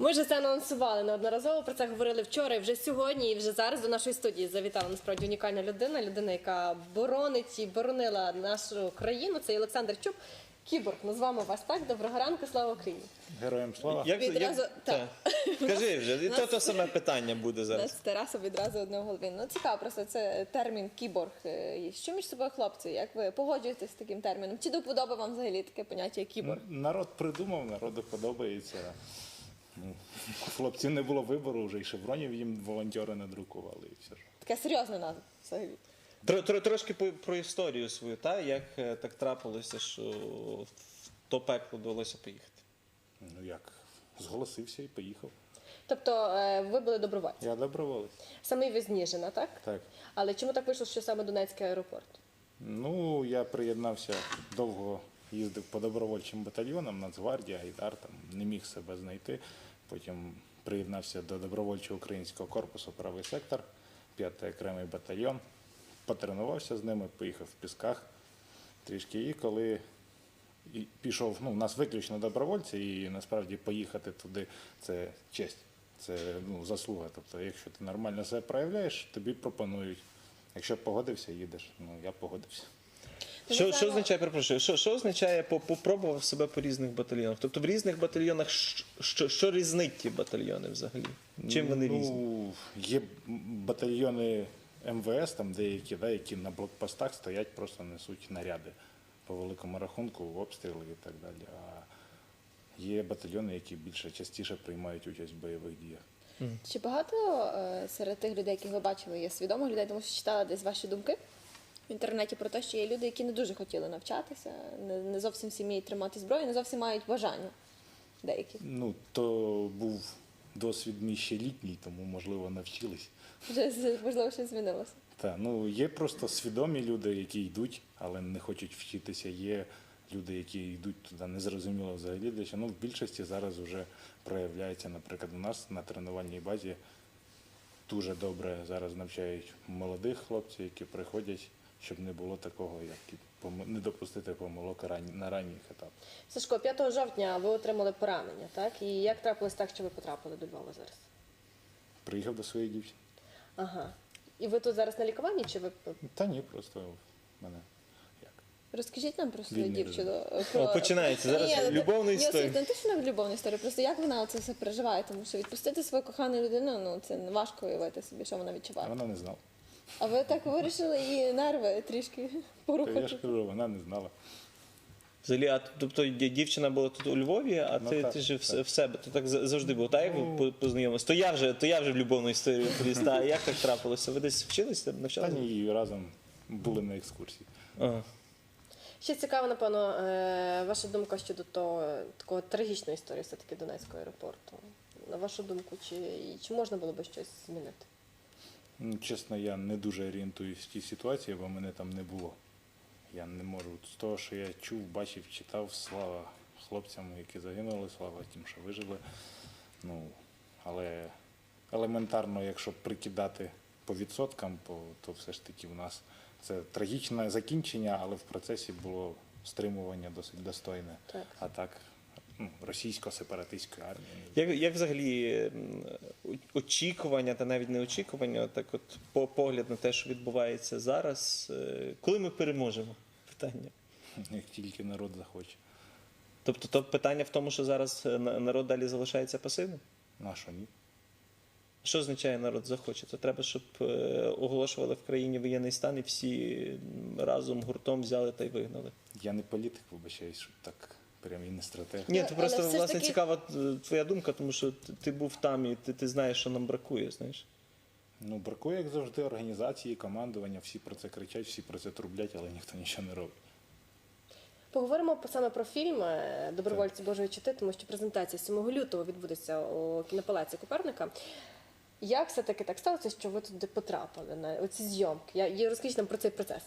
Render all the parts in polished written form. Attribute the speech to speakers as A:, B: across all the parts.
A: Ми ж це анонсували неодноразово, про це говорили вчора, і вже сьогодні, і вже зараз до нашої студії завітала насправді унікальна людина, яка боронить і боронила нашу країну. Це Олександр Чуб. Кіборг, назвемо вас так. Доброго ранку, слава Україні.
B: Героям слава.
C: Скажи вже, і то саме питання буде зараз.
A: З Тарасом відразу одне в голові. Ну, цікаво просто, це термін кіборг. Що між собою хлопці? Як ви погоджуєтесь з таким терміном? Чи до вподоби вам взагалі таке поняття, як кіборг?
B: Народ придумав, народу подобається. Ну, хлопців не було вибору, вже і шевронів їм волонтери надрукували. І все.
A: Така серйозна назва взагалі.
C: Трошки про історію свою, як так трапилося, що в то пекло довелося поїхати?
B: Ну як, зголосився і поїхав.
A: Тобто ви були добровольці?
B: Я доброволець.
A: Самий ви з Ніжина, так?
B: Так.
A: Але чому так вийшло, що саме Донецький аеропорт?
B: Ну, я приєднався, довго їздив по добровольчим батальйонам, Нацгвардія, Айдар, там не міг себе знайти. Потім приєднався до добровольчого українського корпусу «Правий сектор», 5-й окремий батальйон. Потренувався з ними, поїхав в Пісках трішки. І коли пішов, у нас виключно добровольці, і насправді поїхати туди – це честь, це заслуга. Тобто, якщо ти нормально себе проявляєш, тобі пропонують. Якщо погодився, їдеш. Я погодився.
C: Що означає, перепрошую, що означає попробував себе по різних батальйонах? Тобто в різних батальйонах що різнить ті батальйони взагалі? Чим вони різні?
B: Є батальйони МВС, там деякі, які на блокпостах стоять, просто несуть наряди по великому рахунку, обстріли і так далі. А є батальйони, які частіше приймають участь в бойових діях.
A: Чи багато серед тих людей, яких ви бачили, є свідомих людей, тому що читала десь ваші думки в інтернеті про те, що є люди, які не дуже хотіли навчатися, не зовсім всі вміють тримати зброю, не зовсім мають бажання деякі.
B: То був досвід мій ще літній, тому, можливо, навчились.
A: Вже, можливо, щось змінилося.
B: Так, є просто свідомі люди, які йдуть, але не хочуть вчитися. Є люди, які йдуть туди незрозуміло взагалі для чого. В більшості зараз вже проявляється, наприклад, у нас на тренувальній базі дуже добре зараз навчають молодих хлопців, які приходять, щоб не було такого, як не допустити помилок на ранніх етапах.
A: Сашко, 5 жовтня ви отримали поранення, так? І як трапилось так, що ви потрапили до Львова зараз?
B: Приїхав до своєї дівчини.
A: Ага. І ви тут зараз на лікуванні, чи ви...
B: Та ні, просто в мене як?
A: Розкажіть нам про свою
B: Вільний
A: дівчину.
C: Починається зараз любовна історія.
A: Не те, що не любовна історія, просто як вона це все переживає, тому що відпустити свою кохану людину, це важко уявити собі, що вона відчуває.
B: Вона не знала.
A: А ви так вирішили її нерви трішки порухати?
B: Я ж кажу, вона не знала.
C: Взагалі, тобто дівчина була тут у Львові, а ти жив в себе. То так завжди було, так, як ви познайомилися? То я вже в любовну історію поліз. А як так трапилося? Ви десь вчилися, навчалися?
B: Та ні, разом були на екскурсії.
C: Ага.
A: Ще цікаво, напевно, ваша думка щодо такого трагічної історії все-таки Донецького аеропорту. На вашу думку, чи можна було би щось змінити?
B: Чесно, я не дуже орієнтуюсь в тій ситуації, бо мене там не було. Я не можу. З того, що я чув, бачив, читав, слава хлопцям, які загинули, слава тим, що вижили. Але елементарно, якщо прикидати по відсоткам, то все ж таки в нас це трагічне закінчення, але в процесі було стримування досить достойне.
A: Так.
B: А так, російсько-сепаратистської армії.
C: Як взагалі очікування, та навіть не очікування, так от погляд на те, що відбувається зараз, коли ми переможемо? Питання.
B: Як тільки народ захоче.
C: Тобто то питання в тому, що зараз народ далі залишається пасивним?
B: На що ні?
C: Що означає народ захоче? То треба, щоб оголошували в країні воєнний стан і всі разом, гуртом взяли та й вигнали.
B: Я не політик, вибачаюсь, щоб так прям і не стратег.
C: Ні, то просто,
A: все ж
C: власне,
A: таки...
C: цікава твоя думка, тому що ти був там і ти знаєш, що нам бракує, знаєш.
B: Бракує, як завжди, організації, командування, всі про це кричать, всі про це трублять, але ніхто нічого не робить.
A: Поговоримо саме про фільм «Добровольці Божої чити», тому що презентація 7 лютого відбудеться у кінопалаці Коперника. Як все-таки так сталося, що ви туди потрапили на оці зйомки? Розкажіть нам про цей процес.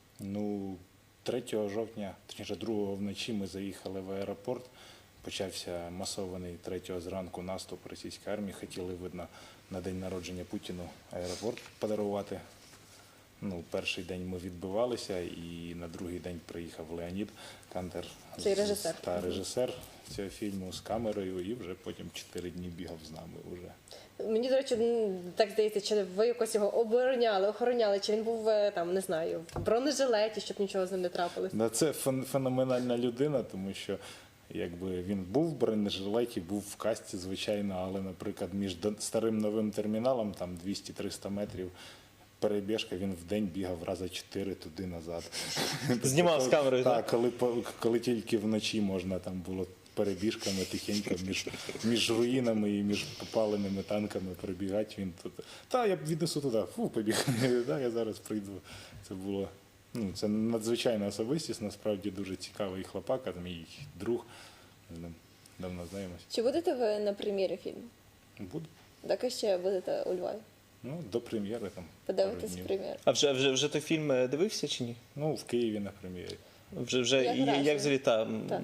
B: 3 жовтня, точніше 2 вночі ми заїхали в аеропорт. Почався масований 3 зранку наступ російської армії. Хотіли, видно, на день народження Путіну аеропорт подарувати. Перший день ми відбивалися, і на другий день приїхав Леонід Кантер.
A: Цей режисер.
B: Режисер цього фільму з камерою і вже потім 4 дні бігав з нами вже.
A: Мені, до речі, так здається, чи ви якось його обороняли, охороняли, чи він був, там, не знаю, в бронежилеті, щоб нічого з ним не трапилось?
B: Да, це феноменальна людина, тому що якби він був в бронежилеті, був в касті, звичайно, але, наприклад, між старим новим терміналом, там 200-300 метрів, перебіжка, він в день бігав рази 4 туди-назад.
C: Знімав з камерою,
B: так? Коли тільки вночі можна там було перебіжками тихенько між руїнами і між попаленими танками перебігати, він тут. Я віднесу туди, побіг, я зараз прийду. Це було, це надзвичайна особистість, насправді дуже цікавий хлопак, мій друг, з ним давно знаємося.
D: Чи будете ви на прем'єрі фільму?
B: Буду.
D: Так ще будете у Львові?
B: До прем'єри там.
D: Подивитесь
B: пару днів.
D: прем'єру?
C: А вже той фільм дивився чи ні?
B: В Києві на прем'єрі.
C: Вже
D: Як
C: і
D: враження?
C: як взагалі
D: Так.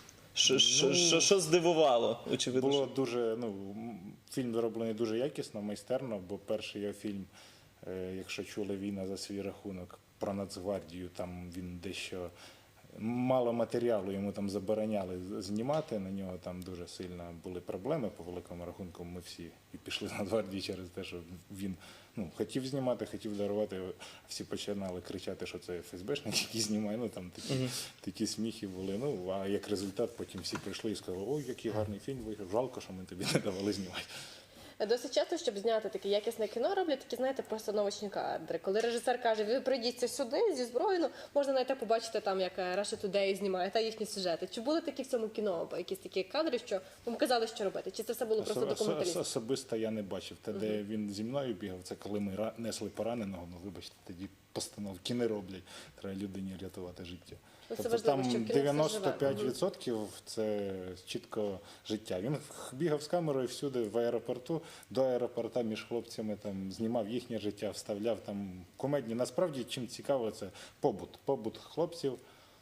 C: що здивувало, очевидно?
B: Було дуже, фільм зроблений дуже якісно, майстерно, бо перший його фільм, якщо чули «Війна за свій рахунок» про Нацгвардію, там він дещо мало матеріалу, йому там забороняли знімати, на нього там дуже сильно були проблеми, по великому рахунку ми всі і пішли з Нацгвардії через те, що він хотів знімати, хотів дарувати, а всі починали кричати, що це ФСБшник, який знімає, там такі сміхи були. А як результат потім всі прийшли і сказали, ой, який гарний фільм вийшов, жалко, що ми тобі не давали знімати.
A: Досить часто, щоб зняти таке якісне кіно, роблять такі, знаєте, постановочні кадри. Коли режисер каже, ви прийдіться сюди зі зброєю, можна навіть побачити там, як Russia Today знімає, та їхні сюжети. Чи були такі в цьому кіно, якісь такі кадри, що вам казали, що робити? Чи це все було просто документалістика?
B: Особисто я не бачив. Те, де він зі мною бігав, це коли ми несли пораненого, вибачте, тоді постановки не роблять. Треба людині рятувати життя.
A: Це
B: Тобто
A: важливо,
B: там
A: щоб кіно все живе.
B: 95% це чітко життя. Він бігав з камерою всюди в аеропорту, до аеропорта між хлопцями там знімав їхнє життя, вставляв там комедні. Насправді, чим цікаво, це побут хлопців.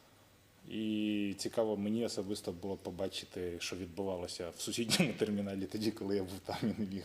B: І цікаво мені особисто було побачити, що відбувалося в сусідньому терміналі тоді, коли я був там і не міг.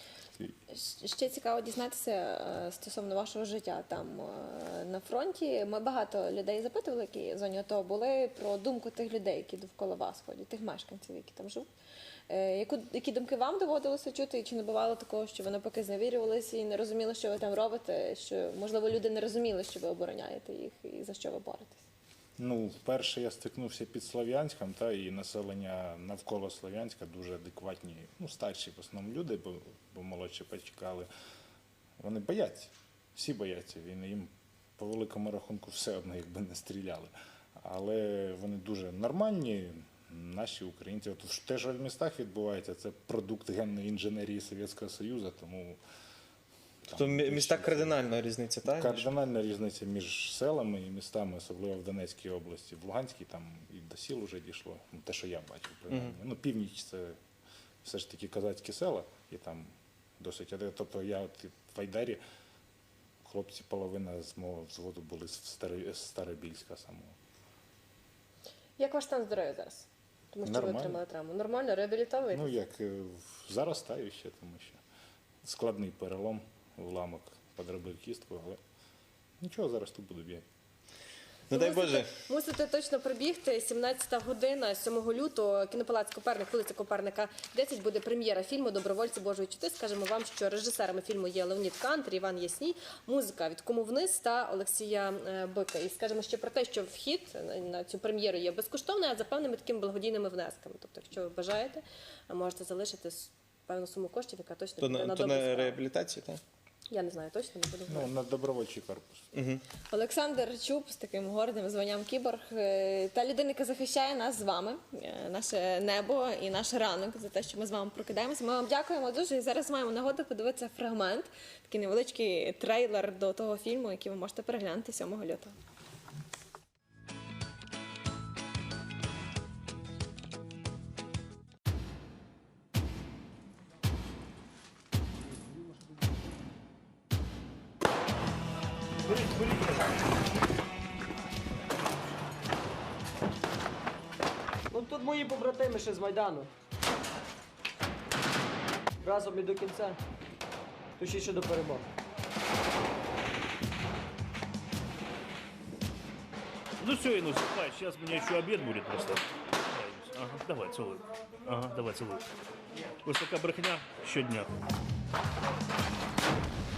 D: Ще цікаво дізнатися стосовно вашого життя там на фронті. Ми багато людей запитували, які в зоні АТО були, про думку тих людей, які довкола вас ходять, тих мешканців, які там живуть. Які думки вам доводилося чути, і чи не бувало такого, що ви навпаки зневірювалися і не розуміли, що ви там робите, що, можливо, люди не розуміли, що ви обороняєте їх і за що ви боретесь?
B: Вперше я стикнувся під Слов'янськом, і населення навколо Слов'янська дуже адекватні, старші в основному люди, бо молодші почекали. Вони бояться, всі бояться війни, їм по великому рахунку все одно, якби не стріляли. Але вони дуже нормальні, наші українці. Те, що в містах відбувається, це продукт генної інженерії Совєтського Союзу, тому...
C: Тобто міста кардинальна різниця, так?
B: Кардинальна різниця між селами і містами, особливо в Донецькій області. В Луганській там і до сіл вже дійшло, те, що я бачив, принаймні. Північ – це все ж таки козацькі села, і там досить... Тобто я в Айдарі, хлопці, половина з мого взводу були з Старобільська самого.
A: Як ваш стан здоров'я зараз? Тому що
B: Нормально.
A: ви отримали травму. Нормально, реабілітовуєте?
B: Заростаю ще, тому що складний перелом, уламок подробив кістку, але нічого, зараз тут буду бігати.
C: Дай Боже.
A: Мусите точно прибігти. 17-та година, 7 лютого, кінопалац Коперник, вулиця Коперника, 10, буде прем'єра фільму «Добровольці Божої чути». Скажемо вам, що режисерами фільму є Леонід Кантер, Іван Ясній, музика від «Кому вниз» та Олексія Бика. І скажемо ще про те, що вхід на цю прем'єру є безкоштовний, а за певними такими благодійними внесками. Тобто, якщо ви бажаєте, можете залишити певну суму коштів, яка точно піде на
C: То
A: добру
C: на
A: справу.
C: реабілітацію, так?
A: Я не знаю точно, не буду говорити.
B: На добровольчий корпус.
D: Олександр Чуб з таким гордим званням кіборг, та людина, яка захищає нас з вами, наше небо і наш ранок, за те, що ми з вами прокидаємося. Ми вам дякуємо дуже. І зараз маємо нагоду подивитися фрагмент, такий невеличкий трейлер до того фільму, який ви можете переглянути 7 лютого.
E: Тут мої побратими ще з Майдану. Разом і до кінця. Точніше до перемоги.
F: Ну все, Инус, сейчас у меня еще обед будет просто. Ага. Давай, цілуй. Ага, давай, цілуй. Ось така брехня щодня.